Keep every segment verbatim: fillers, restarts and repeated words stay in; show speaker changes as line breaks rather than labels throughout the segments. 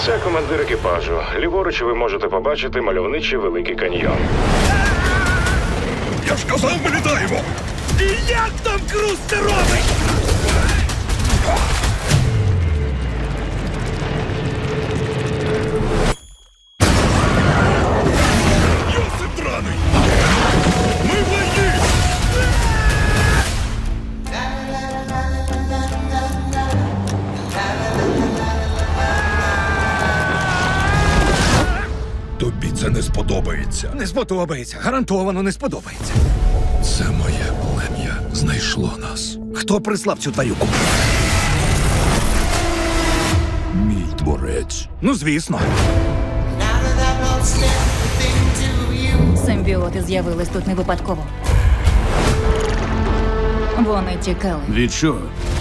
Це командир екіпажу. Ліворуч ви можете побачити мальовничий Великий каньйон.
Я ж казав, ми літаємо!
І як там Круз це робить?
Йосип драний! Ми в війні! Тобі це не сподобається.
Не сподобається. Гарантовано не сподобається.
Це моє плем'я знайшло нас.
Хто прислав цю тварюку?
Мій творець.
Ну, звісно.
Симбіоти з'явились тут не випадково. Вони тікали.
Від чого?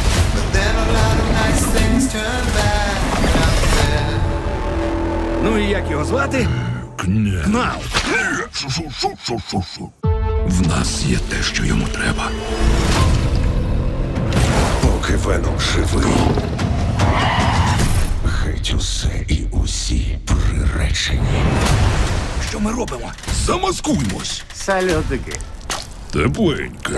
Ну і як його звати?
Кня.
Кнал.
Шу-шу-шу-шу-шу-шу. В нас є те, що йому треба.
Поки Веном живий, геть усе і усі приречені.
Що ми робимо?
Замаскуймось.
Сальотики.
Тепленьке.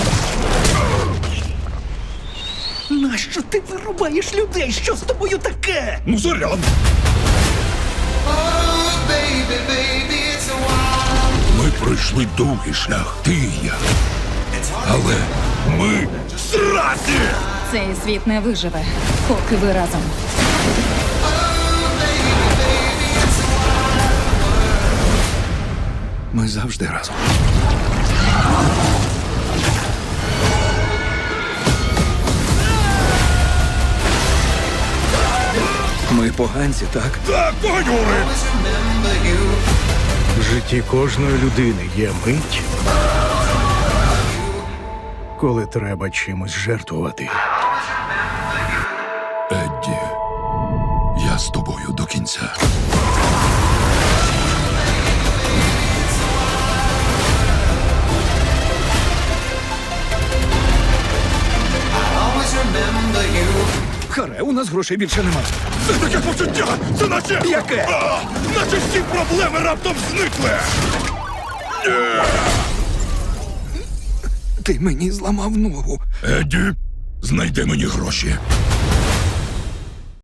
Нащо ти вирубаєш людей? Що з тобою таке?
Ну, заряд. Ми пройшли довгий шлях, ти і я. Але ми зраді!
Цей світ не виживе, поки ви разом.
Ми завжди разом. Ми поганці, так?
Так, погонюри!
В житті кожної людини є мить, коли треба чимось жертвувати.
Едді, я з тобою до кінця.
Харе, у нас грошей більше немає.
Це таке почуття! Це наче...
Яке?
А, наче всі проблеми раптом зникли!
Ти мені зламав ногу.
Едді, знайди мені гроші.